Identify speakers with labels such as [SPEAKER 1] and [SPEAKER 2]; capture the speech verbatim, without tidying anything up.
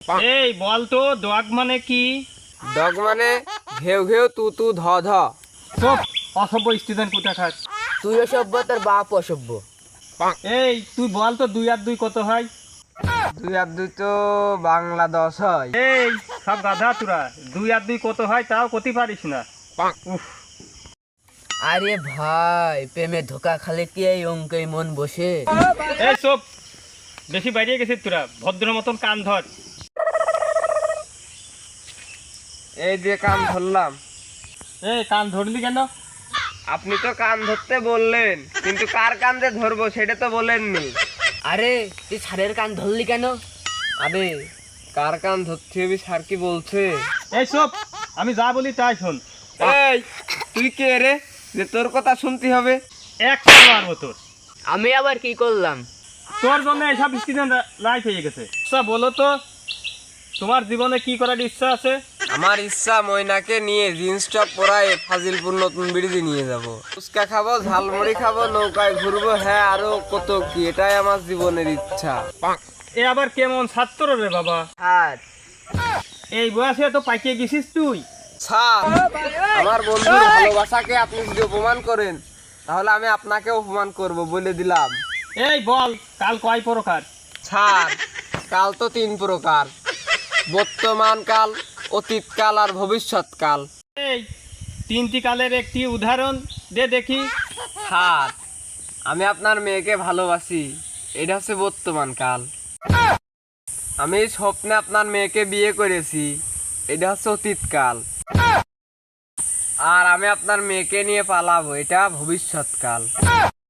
[SPEAKER 1] এই বল তো ডগ মানে কি?
[SPEAKER 2] ডগ মানে ঘেউ ঘেউ তু তু ধ ধ।
[SPEAKER 1] সব অসভ্য স্টুডেন্ট কোথাকার।
[SPEAKER 3] তুই অসভ্য, তোর বাপ অসভ্য।
[SPEAKER 1] এই তুই বল তো দুই আর দুই কত হয়?
[SPEAKER 2] দুই আর দুই তো বাংলা দশ হয়।
[SPEAKER 1] এই সব গাধা তোরা, দুই আর দুই কত হয় তাও কতি পারিস না। উফ,
[SPEAKER 3] আরে ভাই, প্রেমে ধোকা খালে কি এই অঙ্কে মন বসে?
[SPEAKER 1] এই সব বেশি বাইরে গেছিস তোরা, ভদ্র মতন কান ধর।
[SPEAKER 2] এই যে কান ধরলাম।
[SPEAKER 1] এই কান ধরলি কেন?
[SPEAKER 2] আপনি তো কান ধরতে বললেন, কিন্তু কার কান যে ধরবো সেটা তো বলেননি।
[SPEAKER 3] আরে তুই ছাড়ের কান ধরলি কেন?
[SPEAKER 2] আরে কার কান ধরতে হবে স্যার কি বলছে?
[SPEAKER 1] এই সব আমি যা বলি তাই শোন।
[SPEAKER 2] এই তুই কে রে যে তোর কথা শুনতে হবে?
[SPEAKER 1] একশো মারবো তোর।
[SPEAKER 3] আমি আবার কি করলাম?
[SPEAKER 1] তোর জন্য এসব স্টুডেন্ট রাইট হয়ে গেছে। আচ্ছা বলো তো, তোমার জীবনে কি করার ইচ্ছা আছে?
[SPEAKER 2] আমার ইচ্ছা ময়নাকে নিয়ে জিন্স টপ পরায় ফাজিলপুর নতুন ব্রিজে নিয়ে যাব। ফুচকা খাবো, ঝালমুড়ি খাবো, নৌকায় ঘুরবো, হ্যাঁ আরো কত কি। এটাই আমার জীবনের ইচ্ছা।
[SPEAKER 1] এ আবার কেমন ছাত্র রে বাবা?
[SPEAKER 3] আর
[SPEAKER 1] এই বয়সে তো পাইকে গেছিস তুই।
[SPEAKER 2] স্যার, আমার বন্ধুর ভালোবাসাকে আপনি যদি অপমান করেন তাহলে আমি আপনাকে অপমান করব বলে দিলাম।
[SPEAKER 1] এই বল কাল কয় প্রকার?
[SPEAKER 2] স্যার, কাল তো তিন প্রকার: বর্তমান কাল, অতীত কাল আর ভবিষ্যৎ কাল।
[SPEAKER 1] এই তিনটি কালের একটি উদাহরণ দে দেখি।
[SPEAKER 2] স্যার, আমি আপনার মেয়েকে ভালোবাসি, এটা হচ্ছে বর্তমান কাল। আমি স্বপ্নে আপনার মেয়েকে বিয়ে করেছি, এটা হচ্ছে অতীত কাল। আর আমি আপনার মেয়েকে নিয়ে পালাবো, এটা ভবিষ্যৎ কাল।